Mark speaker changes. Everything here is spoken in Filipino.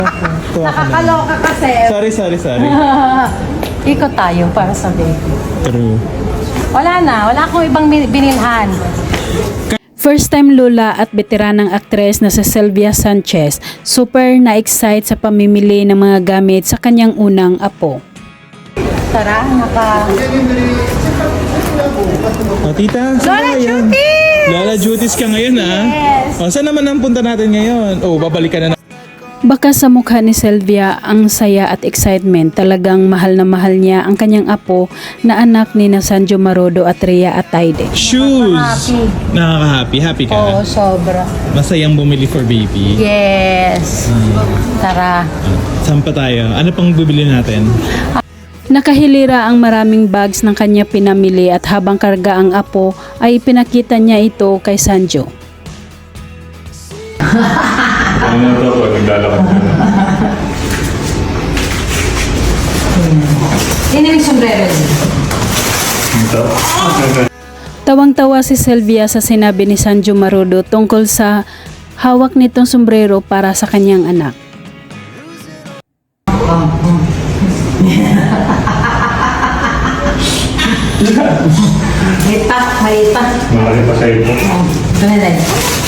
Speaker 1: Nakakaloka kasi.
Speaker 2: Sorry.
Speaker 1: Ikot tayo para sa baby.
Speaker 2: True.
Speaker 1: Wala akong ibang binilhan.
Speaker 3: First time lula at veteranang aktres na si Sylvia Sanchez, super na-excite sa pamimili ng mga gamit sa kanyang unang apo.
Speaker 1: Tara,
Speaker 2: Tita,
Speaker 1: Lola Jutis!
Speaker 2: Lola Jutis ka ngayon,
Speaker 1: Yes.
Speaker 2: Saan naman ang punta natin ngayon? Babalikan na.
Speaker 3: Baka sa mukha ni Sylvia ang saya at excitement, talagang mahal na mahal niya ang kanyang apo na anak ni Sanjo Marodo at Rhea Atayde.
Speaker 2: Shoes!
Speaker 1: Happy.
Speaker 2: Nakaka-happy. Happy ka?
Speaker 1: Oo, sobra.
Speaker 2: Masayang bumili for baby.
Speaker 1: Yes. Tara.
Speaker 2: Saan pa tayo? Ano pang bibili natin?
Speaker 3: Nakahilira ang maraming bags ng kanya pinamili at habang karga ang apo ay pinakita niya ito kay Sanjo.
Speaker 4: Ano to pag naglalakad ka na?
Speaker 1: Yun yung sombrero niya.
Speaker 4: Ito?
Speaker 3: Tawang-tawa si Sylvia sa sinabi ni Sanjo Marodo tungkol sa hawak nitong sombrero para sa kanyang anak.
Speaker 1: May pa.
Speaker 4: Malaki pa sa ito.
Speaker 1: Dali.